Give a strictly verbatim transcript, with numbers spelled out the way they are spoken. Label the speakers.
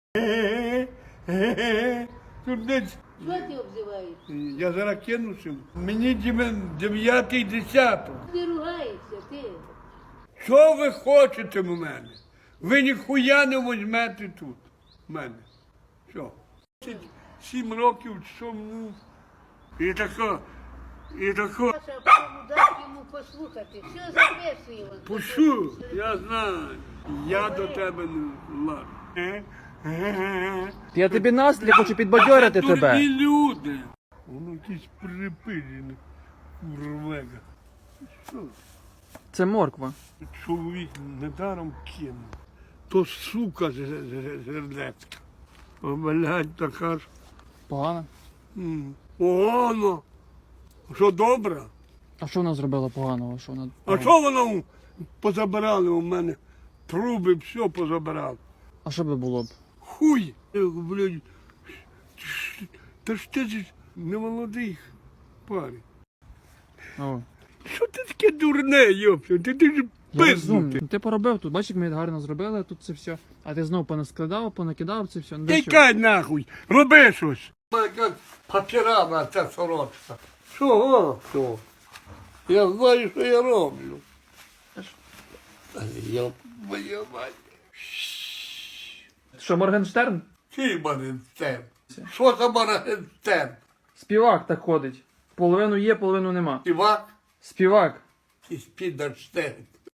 Speaker 1: Тут десь.
Speaker 2: Що ти обзиваєшся?
Speaker 1: Я зараз кинувся. Мені дев'ятий десяток.
Speaker 2: Ти ругаєшся, ти.
Speaker 1: Що ви хочете в мене? Ви ніхуя не візьмете тут в мене. Що? Сім років, що ну. І тако, і тако.
Speaker 2: Саша, кому дати йому послухати. Все записує він.
Speaker 1: Пушу, я знаю. Я до тебе не ладно.
Speaker 3: Я тобі настрій хочу підбадьорити тебе.
Speaker 1: Дурні люди. Воно якісь припилені. Курвега. Що?
Speaker 3: Це морква.
Speaker 1: Чоловік недаром кинув. То сука зердецька. О, блядь, така ж.
Speaker 3: Погано.
Speaker 1: М, Погано. Що добре?
Speaker 3: А що вона зробила поганого? Що вона...
Speaker 1: А що воно позабирали у мене? Труби, все позабирали.
Speaker 3: А що би було б?
Speaker 1: Хуй! Я говорю, блядь, та ж ти ж не молодий парень.
Speaker 3: О,
Speaker 1: Що ти таке дурне, йопсю? Ти, ти ж
Speaker 3: я розумію.
Speaker 1: пизнутий.
Speaker 3: Ну, ти поробив тут, бачиш, як ми гарно зробили тут це все. А ти знов понаскладав, понакидав це все. Ну, для чого?
Speaker 1: Тікай нахуй, роби щось. Яка папірана ця сорочка. Чого? Що? Я знаю, що я роблю. Я моя мать.
Speaker 3: Що, Моргенштерн?
Speaker 1: Чий Моргенштерн? Що за Моргенштерн?
Speaker 3: Співак так ходить. Половину є, половину нема.
Speaker 1: Івак
Speaker 3: Співак.
Speaker 1: і Спідерштерн.